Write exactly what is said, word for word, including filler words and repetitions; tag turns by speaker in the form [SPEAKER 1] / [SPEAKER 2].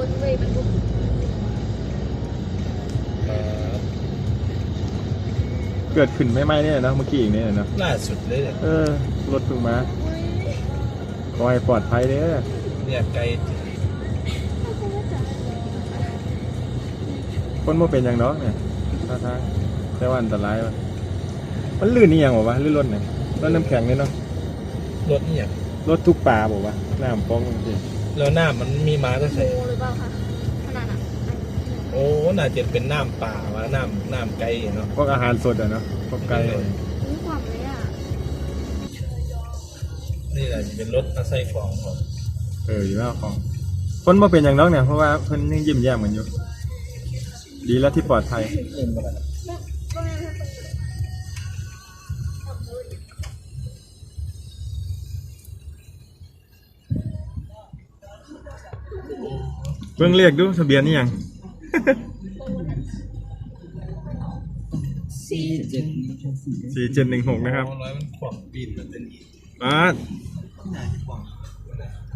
[SPEAKER 1] ถเวย์บรรทุก
[SPEAKER 2] เกิดขึ้นไม่ไหมเนี่ยนะเมื่อกี้อีกเนี่ยนะ
[SPEAKER 3] ล่าสุดเลยเนี่ย
[SPEAKER 2] เออรถเพิ่งมาขอให้ปลอดภัยเด้อ
[SPEAKER 3] เนี่ยไกล
[SPEAKER 2] คนบ่เป็นอย่างน้องเนี่ยท่าทางแต่ว่าอันตรายว่ะมันลื่นนี่ยังบอกว่าลื่นรถเนี่ยรถน้ำแข็งเนี่ยเนาะ
[SPEAKER 3] รถเนี่ย
[SPEAKER 2] รถทุกป่าบอกว่าน้ำฟองจริง
[SPEAKER 3] แล้วน้ำมันมีมาตั้งแต่
[SPEAKER 1] โมหรือเปล่าคะขนาดนั้น
[SPEAKER 3] โอ้น่าจะเป็นน้ำป่าวะน้ำน้ำไกลเนาะ
[SPEAKER 2] พวกอาหารสดอะเนาะพวกไก่
[SPEAKER 1] นี่ความเลยอ่ะ
[SPEAKER 3] นี่แหละจะเป็นรถมาใส่ของก่อน
[SPEAKER 2] เอออยู่แล้วของคนบ่เป็นอย่างน้องเนี่ยเพราะว่าเพิ่นยังยิ้มแย้มกันอยู่ดีแล้วที่ปลอดภัยเบิ่งเรียกดูทะเบียนนี่ยัง
[SPEAKER 1] สี่เจ็ด
[SPEAKER 2] สี่เจ็ดหนึ่งหกนะครับ
[SPEAKER 3] ร้อยมันขวางปีนมันเป็นอีก
[SPEAKER 2] มา
[SPEAKER 3] ที่ไหนขวาง